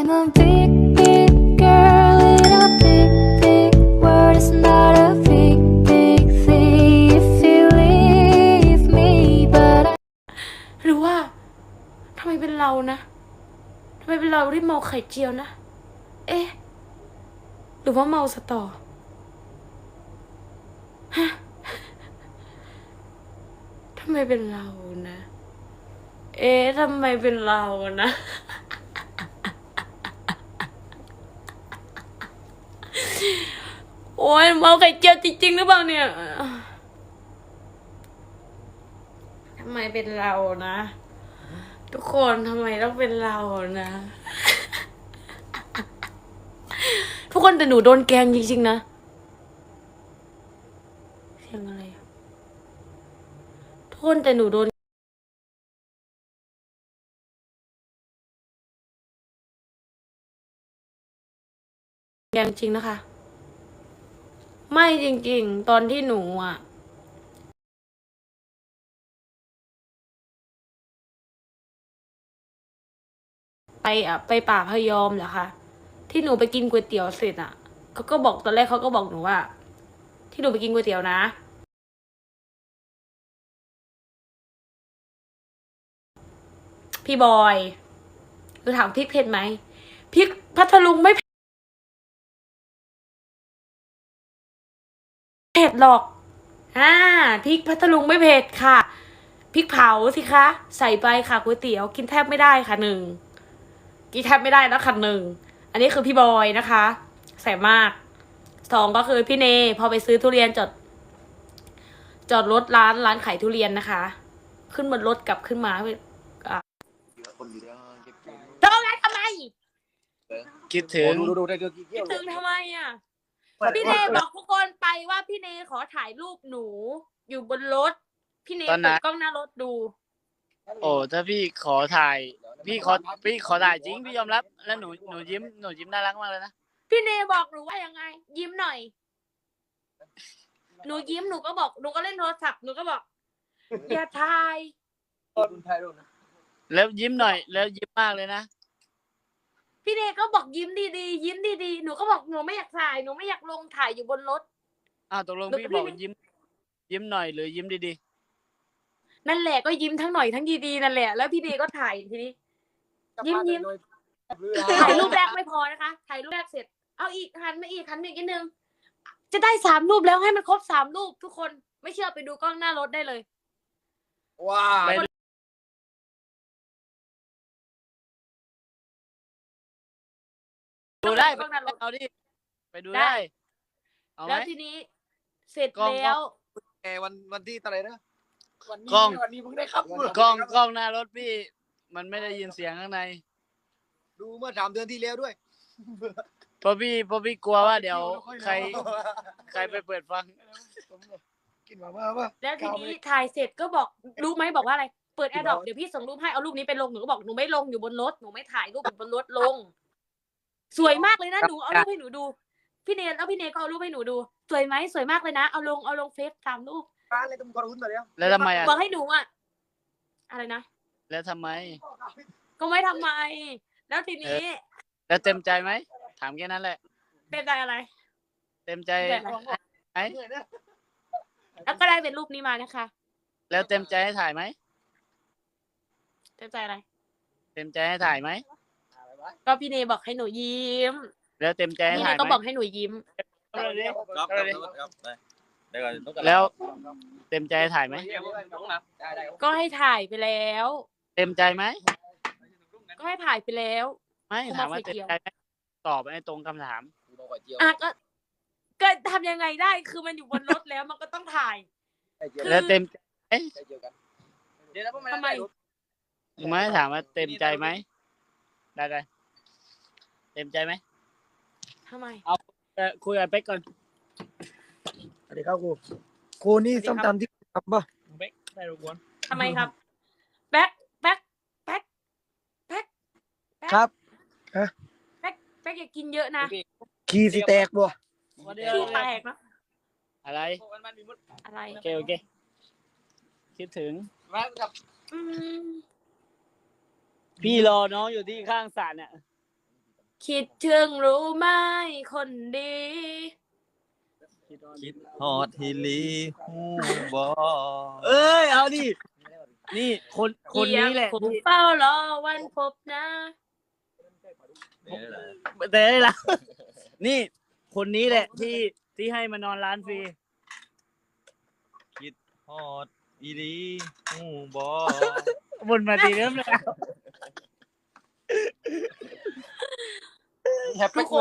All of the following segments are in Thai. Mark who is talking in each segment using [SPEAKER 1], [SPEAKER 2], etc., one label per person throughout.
[SPEAKER 1] I'm a big, big girl in a big, big world. It's not a big, big thing if you leave me, but I
[SPEAKER 2] หรือว่าทำไมเป็นเรานะทำไมเป็นเราที่เมาไข่เจียวนะ เอ๊ะ หรือว่าเมาสตอฮะทำไมเป็นเรานะ เอ๊ะทำไมเป็นเรานะ โอ้ยเมาไข่เจียวจริงๆหรือเปล่าเนี่ยทำไมเป็นเรานะ ทุกคนทำไมต้องเป็นเรานะ ทุกคนแต่หนูโดนแกล้งจริงๆนะเสียงอะไรอะทุกคนแต่หนูโดนแกล้งจริงนะคะ ไม่จริงๆ ตอนที่หนูอ่ะ ไปป่าพยอมเหรอคะที่หนูไปกินก๋วยเตี๋ยวเสร็จอ่ะเขาก็บอกตอนแรกเขาก็บอกหนูว่า ที่หนูไปกินก๋วยเตี๋ยวนะพี่บอยหนูถามพริกเผ็ดไหมพริกพัทลุงไม่เผ็ดหรอกพริกพัทลุงไม่เผ็ดค่ะพริกเผาสิคะใส่ไปค่ะก๋วยเตี๋ยวกินแทบไม่ได้ค่ะ1กินแทบไม่ได้แล้วค่ะ1อันนี้คือพี่บอยนะคะแสบมาก2ก็คือพี่เนพอไปซื้อทุเรียนจอดรถร้านขายทุเรียนนะคะ ขึ้นบนรถกลับขึ้นมาโทรมาทำไม
[SPEAKER 3] คิดถึง
[SPEAKER 4] ดูได้กี่
[SPEAKER 2] คิ
[SPEAKER 4] เกี่
[SPEAKER 2] ด
[SPEAKER 4] ยว
[SPEAKER 2] ถึงทำไมอ่ะพี่เนบอกทุกคนไปว่าพี่เนขอถ่ายรูปหนู อยู่บนรถพี่เน
[SPEAKER 3] ตอนนั้
[SPEAKER 2] เปิด
[SPEAKER 3] น
[SPEAKER 2] กล้องหน้ารถดู
[SPEAKER 3] โอ้ถ้าพี่ขอถ่าย พี่ขอถ่ายจริงพี่ยอมรับ แล้วหนูยิ้มน่ารักมากเลยนะ
[SPEAKER 2] พี่เนบอกหนูว่ายังไง ยิ้มหน่อย หนูยิ้มหนูก็บอกหนูก็เล่นโทรศัพท์หนูก็บอก อย่าถ่าย
[SPEAKER 4] ไทยรุ่นนะ
[SPEAKER 3] แล้วยิ้มหน่อย แล้วยิ้มมากเลยนะ
[SPEAKER 2] พี่เนก็บอกยิ้มดีๆยิ้มดีๆหนูก็บอกหนูไม่อยากถ่ายหนูไม่อยากลงถ่ายอยู่บนรถ
[SPEAKER 3] อ้าวตกลง
[SPEAKER 2] แล้ว
[SPEAKER 3] พี่
[SPEAKER 2] พี่
[SPEAKER 3] บอก
[SPEAKER 2] เน
[SPEAKER 3] ยิ้มหน่อยหรือยิ้มดี
[SPEAKER 2] นั่นแหละก็ยิ้มทั้งหน่อยทั้งดีๆนั่นแหละแล้วพี่เนก็ถ่ายทีนี้ ยิ้ม ถ่ายรูปแรกไม่พอนะคะถ่ายรูปแรกเสร็จเอาอีกหันมาอีกหันมาอีกนิดนึงจะได้3 รูปแล้วให้มันครบ3 รูปทุกคนไม่เชื่อไปดูกล้องหน้ารถได้เลย
[SPEAKER 4] ว้า
[SPEAKER 3] ๆไปดูได้
[SPEAKER 2] กล้องหน้ารถ
[SPEAKER 3] เอาดิ ไปดู
[SPEAKER 2] ได้
[SPEAKER 3] ได้ เอาไหม
[SPEAKER 2] แล้วทีนี้เสร็จ
[SPEAKER 3] กล้อง
[SPEAKER 2] แล้ว
[SPEAKER 4] วันที่เท่าไหร่นะ
[SPEAKER 3] กล้อง
[SPEAKER 4] วันนี้เพิ่งได้ครับ
[SPEAKER 3] กล้องหน้ารถพี่ มันไม่ได้ยินเสียงข้างใน
[SPEAKER 4] ดูเมื่อ3 เดือนที่แล้วด้วย
[SPEAKER 3] เพราะพี่กลัวว่าเดี๋ยวใครไปเปิดฟัง
[SPEAKER 4] กินมาป่ะ
[SPEAKER 2] แล้วทีนี้ถ่ายเสร็จก็บอกรู้ไหมบอกว่าอะไรเปิดแอร์ดรอปเดี๋ยวพี่ส่งรูปให้เอารูปนี้ไปลงหนูก็บอกหนูไม่ลงอยู่บนรถหนูไม่ถ่ายรูปอยู่บนรถลง สวยมากเลยนะหนูเอารูปให้หนูดูพี่เนแล้วพี่เนก็เอารูปให้หนูดูสวยไหมสวยมากเลยนะเอาลงเฟซ3 รูป
[SPEAKER 4] ร้านอะไรตุ้มกระรุ่นมาแล้ว
[SPEAKER 3] แล้วทำไมอ่ะ
[SPEAKER 2] บอกให้หนูอะอะไรนะ
[SPEAKER 3] แล้วทำไม
[SPEAKER 2] ก็ไม่ทำไม แล้วทีนี้
[SPEAKER 3] แล้วเต็มใจไหม ถามแค่นั้นแหละ
[SPEAKER 2] เป็นใจอะไร
[SPEAKER 3] เต็มใจ
[SPEAKER 2] เต็มใจ
[SPEAKER 3] ไหม
[SPEAKER 2] แล้วก็ได้เป็นรูปนี้มานะคะ
[SPEAKER 3] แล้วเต็มใจให้ถ่ายไหม
[SPEAKER 2] เต็มใจอะไร
[SPEAKER 3] เต็มใจให้ถ่ายไหม
[SPEAKER 2] ก็พี่เนบอกให้หนูยิ้ม
[SPEAKER 3] แล้วเต็มใจให้
[SPEAKER 2] พี่เน
[SPEAKER 3] ถ่ายไห
[SPEAKER 2] ก็
[SPEAKER 3] ม
[SPEAKER 2] บอกให้หนูยิ้ม
[SPEAKER 3] แล้วเต็มใจให้ถ่ายไหม
[SPEAKER 2] ก็ให้ถ่ายไปแล้ว
[SPEAKER 3] เต็มใจไหม
[SPEAKER 2] ก็ให้ถ่ายไปแล้ว
[SPEAKER 3] ไม่
[SPEAKER 2] กู
[SPEAKER 3] ถาม
[SPEAKER 2] มา
[SPEAKER 3] ว่า
[SPEAKER 2] ไฟ
[SPEAKER 3] เต็ม
[SPEAKER 2] เขียว
[SPEAKER 3] ใจไหมตอบให้ตรงคำถาม
[SPEAKER 2] อ่ะก็ทำยังไงได้คือมันอยู่บนรถแล้วมันก็ต้องถ่าย
[SPEAKER 3] แล้วเต็มใจ
[SPEAKER 2] ทำไม
[SPEAKER 3] ไม่ถามว่าเต็มใจไหมได้เต็มใจไหม
[SPEAKER 2] ทำไม
[SPEAKER 3] คุยกับเป๊กก่อน
[SPEAKER 4] สวัสดีครับครูนี่ส้มตำที่ทำป่ะ
[SPEAKER 3] เป๊กได้รบกวน
[SPEAKER 2] ทำไมครับแป๊ก
[SPEAKER 4] ครับ
[SPEAKER 2] แป๊กอย่ากินเยอะนะ
[SPEAKER 4] ขี้สิแตกบ่
[SPEAKER 2] ขี้แตกนะ
[SPEAKER 3] อะไร
[SPEAKER 2] อะไร
[SPEAKER 3] โอเคคิดถึง
[SPEAKER 2] อืม
[SPEAKER 3] พี่รอน้องอยู่ที่ข้างสระเนี่ย
[SPEAKER 2] คิดถึงรู้ไหมคนดี
[SPEAKER 5] คิดฮอดฮิลีฮูบอ
[SPEAKER 3] เอ้ยเอาดินี่คนนี้แหละ
[SPEAKER 2] คงเฝ้ารอวันพบนะ
[SPEAKER 5] นี่แหละ
[SPEAKER 3] แต่ได้ละนี่คนนี้แหละที่ให้มานอนร้านฟรี
[SPEAKER 5] คิดฮอดฮิลีฮูบอ
[SPEAKER 3] วนมาทีเริ่มแล้ว
[SPEAKER 2] ทุกคน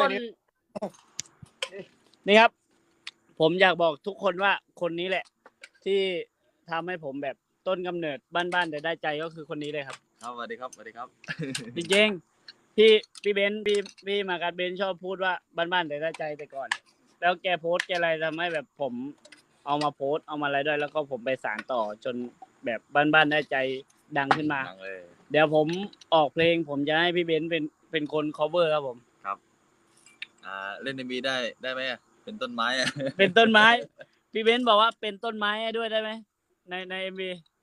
[SPEAKER 3] นี่ครับ ผมอยากบอกทุกคนว่าคนนี้แหละ ที่ทำให้ผมแบบต้นกำเนิดบ้านๆแต่ได้ใจก็คือคนนี้เลยครับ
[SPEAKER 5] ครับสวัสดีครับสวัสดีครับ
[SPEAKER 3] จริงๆพี่เบนซ์พี่มากัดเบนซ์ชอบพูดว่าบ้านๆแต่ได้ใจแต่ก่อน แล้วแกโพสต์แกอะไรทำให้แบบผมเอามาโพสต์เอามาอะไรด้วย แล้วก็ผมไปสานต่อจนแบบบ้านๆได้ใจดังขึ้นมา
[SPEAKER 5] ดังเลย
[SPEAKER 3] เดี๋ยวผมออกเพลง ผมจะให้พี่เบนซ์เป็นคน cover ครับผม
[SPEAKER 5] เล่นMVได้ไหมอะเป็นต้นไม้อะ
[SPEAKER 3] เป็นต้นไม้ พี่เบนซ์บอกว่าเป็นต้นไม้ให้ด้วยได้ไหมใน MV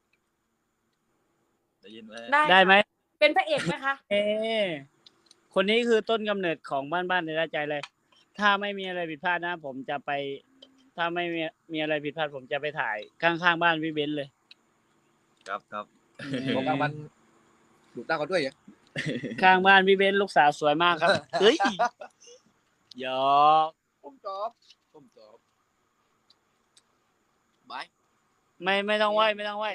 [SPEAKER 5] ได้ยินไหม
[SPEAKER 3] ได้ไหม
[SPEAKER 2] เป็นพระเอกไหมคะ
[SPEAKER 3] คนนี้คือต้นกำเนิดของบ้านในใจเลย ถ้าไม่มีอะไรผิดพลาดนะ ผมจะไป ถ้าไม่มีอะไรผิดพลาด ผมจะไปถ่ายข้างๆบ้านพี่เบนซ์เลย
[SPEAKER 5] ครับครับ
[SPEAKER 4] ของกลางวันดูตาเขาด้วยเหรอ
[SPEAKER 3] ข้างบ้านพี่เบนซ์ลูกสาวสวยมากครับ เฮ้ยหยอก
[SPEAKER 4] ผมจบ บาย
[SPEAKER 3] ไม่ต้องไหวไม่ต้องไหว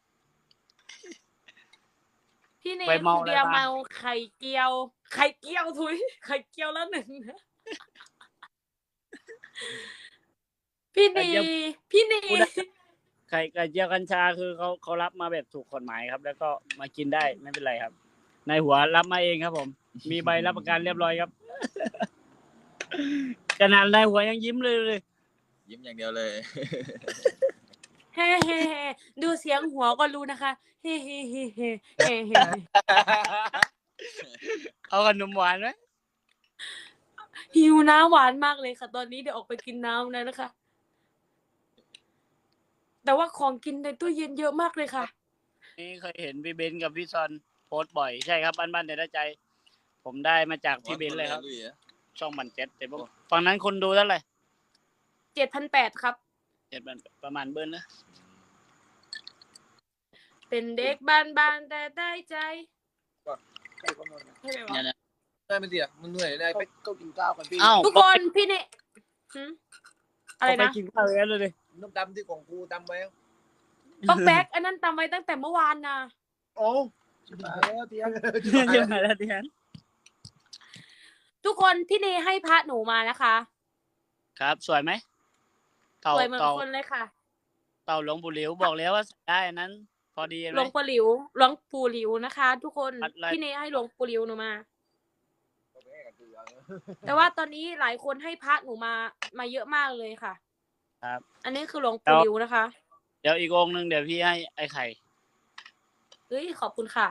[SPEAKER 2] พี่เน
[SPEAKER 3] ไป
[SPEAKER 2] ย
[SPEAKER 3] เมา
[SPEAKER 2] คุณเบียร์
[SPEAKER 3] อะไรมา
[SPEAKER 2] เมาไข่เกียวทุยไข่เกียวแล้วหนึ่งพี่เนยพี่เนย
[SPEAKER 3] ไข่เจียวกัญชาคือเขารับมาแบบถูกกฎหมายครับ แล้วก็มากินได้ไม่เป็นไรครับนายหัวรับมาเองครับผม มีใบรับประกันเรียบร้อยครับ ขนาดนายหัวยังยิ้มเลย
[SPEAKER 5] ยิ้มอย่างเดียวเลย
[SPEAKER 2] เฮ้เฮ้เฮ้ดูเสียงหัวก็รู้นะคะ เฮ้เฮ้เฮ้เฮ้เฮ้เฮ้
[SPEAKER 3] เอาขนมหวานไหม
[SPEAKER 2] หิวน้ำหวานมากเลยค่ะ ตอนนี้เดี๋ยวออกไปกินน้ำแล้วนะคะ แต่ว่าของกินในตู้เย็นเยอะมากเลยค่ะ
[SPEAKER 3] นี่เคยเห็นพี่เบนซ์กับพี่ซอนโพสต์บ่อยใช่ครับบ้านแต่ได้ใจ ผมได้มาจากพี่เบนซ์เลยครับ ช่องมันเจ็ดแต่พวกฝั่งนั้นคนดูเท่าไหร่
[SPEAKER 2] 7,800 ครับ
[SPEAKER 3] ประมาณเบิ้ลนะ
[SPEAKER 2] เป็นเด็กบ้านๆแต่ได้ใจใช่ไหมวะ
[SPEAKER 3] เนี่ยนะ
[SPEAKER 4] ได้ไม่ดีอ่ะมันเหนื่อยได้ไปก็กินข้าวกันพี่
[SPEAKER 3] อ้าว
[SPEAKER 2] ทุกคนพี่เนหืมอะไร
[SPEAKER 3] ไป
[SPEAKER 2] นะ
[SPEAKER 3] กินข้าวกันเลยดิ
[SPEAKER 4] น้ำดำที่ของกูดำไว้
[SPEAKER 2] ป๊อกแป๊กอันนั้นตำไว้ตั้งแต่เมื่อวานนะ
[SPEAKER 4] โอ้ชิบหายแล้วเตียง
[SPEAKER 3] ยังไงล่ะที่นั้น
[SPEAKER 2] ทุกคนพี่เนให้พระหนูมานะคะ
[SPEAKER 3] ครับ สวยไหมเต่า
[SPEAKER 2] สวยเหมือน
[SPEAKER 3] เต่า
[SPEAKER 2] คนเลยค่ะ
[SPEAKER 3] เต่าหลวงปู่หลิวบอกแล้วว่าได้อันนั้น พอดี
[SPEAKER 2] ห
[SPEAKER 3] ไห
[SPEAKER 2] ล
[SPEAKER 3] ม
[SPEAKER 2] วงปู่หลิวนะคะ ทุกคน
[SPEAKER 3] อะไร
[SPEAKER 2] พี่เนให้หลวงปู่หลิวหนูมา แต่ว่าตอนนี้หลายคนให้พระหนูมาเยอะมากเลยค่ะ
[SPEAKER 3] ครับ
[SPEAKER 2] อันนี้คือหลวงปู่หลิวนะคะ
[SPEAKER 3] เดี๋ยวอีกองค์หนึ่งเดี๋ยวพี่ให้ไอ้ไข่
[SPEAKER 2] เอ้ยขอบคุณค่ะ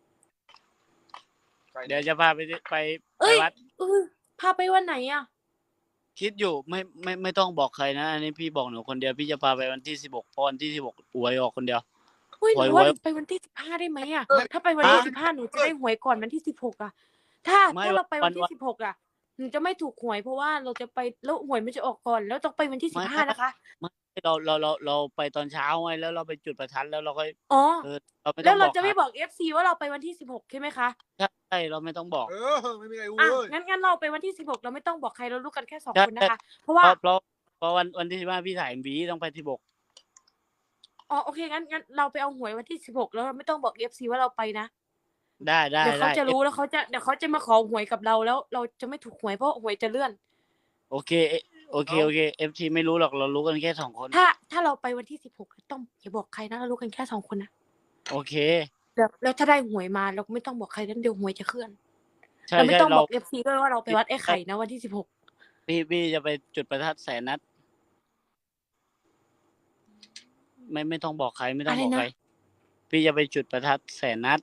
[SPEAKER 3] เดี๋ยวจะพาไป
[SPEAKER 2] เอ้ย
[SPEAKER 3] วัด
[SPEAKER 2] พาไปวันไหนอ่ะ
[SPEAKER 3] คิดอยู่ไม่ต้องบอกใครนะ อันนี้พี่บอกหนูคนเดียวพี่จะพาไปวันที่16เพราะวันที่16หวยออกคนเดียว
[SPEAKER 2] เฮ้ยหนู
[SPEAKER 3] ไว้
[SPEAKER 2] ว่า
[SPEAKER 3] ไว้
[SPEAKER 2] ไปวันที่15ได้ไหมอ่ะ ถ้าไปวันที่15หนูจะได้หวยก่อนวันที่16อ่ะ ถ้า
[SPEAKER 3] ไม่
[SPEAKER 2] เราไปวันที่
[SPEAKER 3] วัน
[SPEAKER 2] 16อ่ะหนูจะไม่ถูกหวยเพราะว่าเราจะไปแล้วหวยมันจะออกก่อน แล้วต้องไปวันที่
[SPEAKER 3] ไม่
[SPEAKER 2] 15นะคะ
[SPEAKER 3] เราไปตอนเช้าไงแล้วเราไปจุดประทัดแล้วเราก็
[SPEAKER 2] อ๋อ
[SPEAKER 3] เราไม่ต้
[SPEAKER 2] แล้
[SPEAKER 3] อ
[SPEAKER 2] ว
[SPEAKER 3] งบ
[SPEAKER 2] เรา
[SPEAKER 3] อก
[SPEAKER 2] จะไม่
[SPEAKER 3] ใคร
[SPEAKER 2] บอก FC ว่าเราไปวันที่16ใช่ไหมคะ
[SPEAKER 3] ใช่เราไม่ต้องบอก
[SPEAKER 4] ไม่มีใครรู้
[SPEAKER 2] อ่ะ
[SPEAKER 4] เลย
[SPEAKER 2] งั้นเราไปวันที่16เราไม่ต้องบอกใครเรารู้กันแค่2
[SPEAKER 3] ใช่
[SPEAKER 2] คนนะคะ เพราะว่า
[SPEAKER 3] เพราะวันที่15พี่ถ่าย MV ต้องไป16
[SPEAKER 2] อ๋อโอเคงั้นเราไปเอาหวยวันที่16แล้วเราไม่ต้องบอก FC ว่าเราไปนะ
[SPEAKER 3] ได้
[SPEAKER 2] เดี๋ยวเขาจะรู้แล้วเดี๋ยวเขาจะมาขอหวยกับเราแล้วเราจะไม่ถูกหวยเพราะหวยจะเลื่อน
[SPEAKER 3] โอเค FT ไม่รู้หรอกเรารู้กันแค่2 คน
[SPEAKER 2] ถ้าเราไปวันที่16ต้องอย่าบอกใครนะเรารู้กันแค่2 คนนะ
[SPEAKER 3] โอเค
[SPEAKER 2] แล้วถ้าได้หวยมาเราก็ไม่ต้องบอกใครนั้นเดี๋ยวหวยจะเคลื่อน
[SPEAKER 3] ใช่
[SPEAKER 2] เราไม่
[SPEAKER 3] ใช่
[SPEAKER 2] ต้อง
[SPEAKER 3] เรา
[SPEAKER 2] บอก FC ด้วยว่าเราไปวัดไอ้ไข่นะวันที่16
[SPEAKER 3] พี่จะไปจุดประทัด100,000 นัดไม่ต้องบอกใครไม่ต้องบอกใครพี่จะไปจุดประทัด100,000 นัด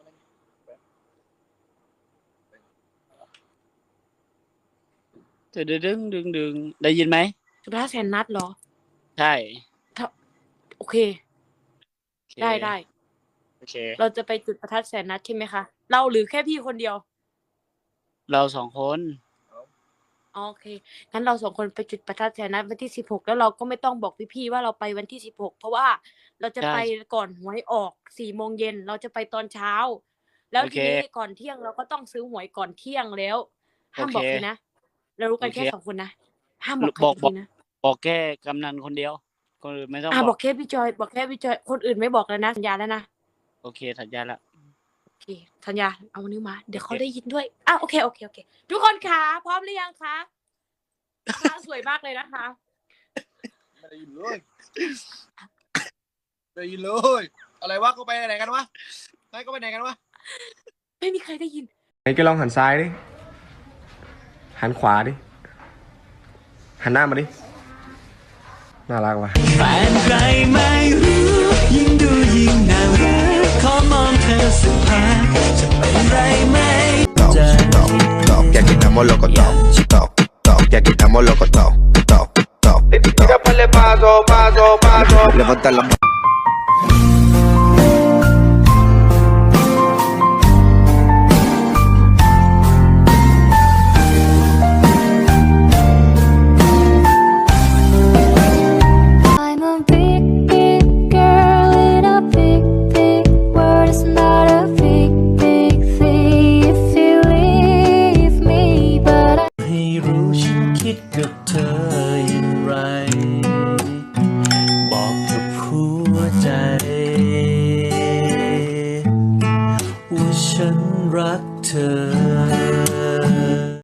[SPEAKER 3] ดึงได้ยินไหม
[SPEAKER 2] จุด500,000 นัดเหรอ
[SPEAKER 3] ใช่
[SPEAKER 2] โอเค
[SPEAKER 3] โอเค
[SPEAKER 2] ได้
[SPEAKER 3] โอเค
[SPEAKER 2] เราจะไปจุดประทัด100,000 นัดใช่ไหมคะเราหรือแค่พี่คนเดียว
[SPEAKER 3] เราสองคน
[SPEAKER 2] โอเคงั้นเราสองคนไปจุดประทัดแถวนั้นวันที่16แล้วเราก็ไม่ต้องบอกพี่ๆว่าเราไปวันที่16เพราะว่าเราจะ
[SPEAKER 3] ใช่
[SPEAKER 2] ไปก่อนหวยออก4 โมงเย็นเราจะไปตอนเช้า แล้ว
[SPEAKER 3] โอ
[SPEAKER 2] ที
[SPEAKER 3] เค
[SPEAKER 2] นี้ก่อนเที่ยงเราก็ต้องซื้อหวยก่อนเที่ยงแล้วห้าม
[SPEAKER 3] โอเค
[SPEAKER 2] บอกใครนะเรารู้กัน
[SPEAKER 3] โอเค
[SPEAKER 2] แค่2 คนนะห้ามบอกใคร
[SPEAKER 3] บอก
[SPEAKER 2] อีกทีนะ
[SPEAKER 3] บอกแค่กำนันคนเดียวคนอื่นไม่ต้อง
[SPEAKER 2] บอกแค่พี่จอยบอกแค่พี่จอยคนอื่นไม่บอกแล้วนะสัญญาแล้วนะ
[SPEAKER 3] โอเคสัญญาละ
[SPEAKER 2] โอเคสัญญาเอานิ้วมาเดี๋ยวเขา
[SPEAKER 3] โอเค
[SPEAKER 2] ได้ยินด้วยโอเคทุกคนคะพร้อมหรือยังคะพระสวยมากเลยนะคะ
[SPEAKER 5] ไม่ได้ยินเลยไม่ได้ยินเลย อะไรวะเขาไปไหนกันวะไหนก็ไปไหนกันวะ
[SPEAKER 2] ไม่มีใครได้ยิน
[SPEAKER 6] ไหนแกลองหันซ้ายดิ หันขวาดิ หันหน้ามาดิ น่ารักว่ะ
[SPEAKER 7] แฟนใครไม่รู้ ยิ่งดูยิ่งน่ารักขอมองเธอสักพักจะเป็นไรไหมใจ
[SPEAKER 8] que aquí estamos locos todos, que aquí estamos locos todos. Tira pa'le paso, levanta la mano.
[SPEAKER 1] I'm a big, big girl in a big, big world. It's not a big, big thing if you leave me, but I
[SPEAKER 7] ให้รู้ฉันคิดกับเธออย่างไร บอกกับหัวใจ ว่าฉันรักเธอ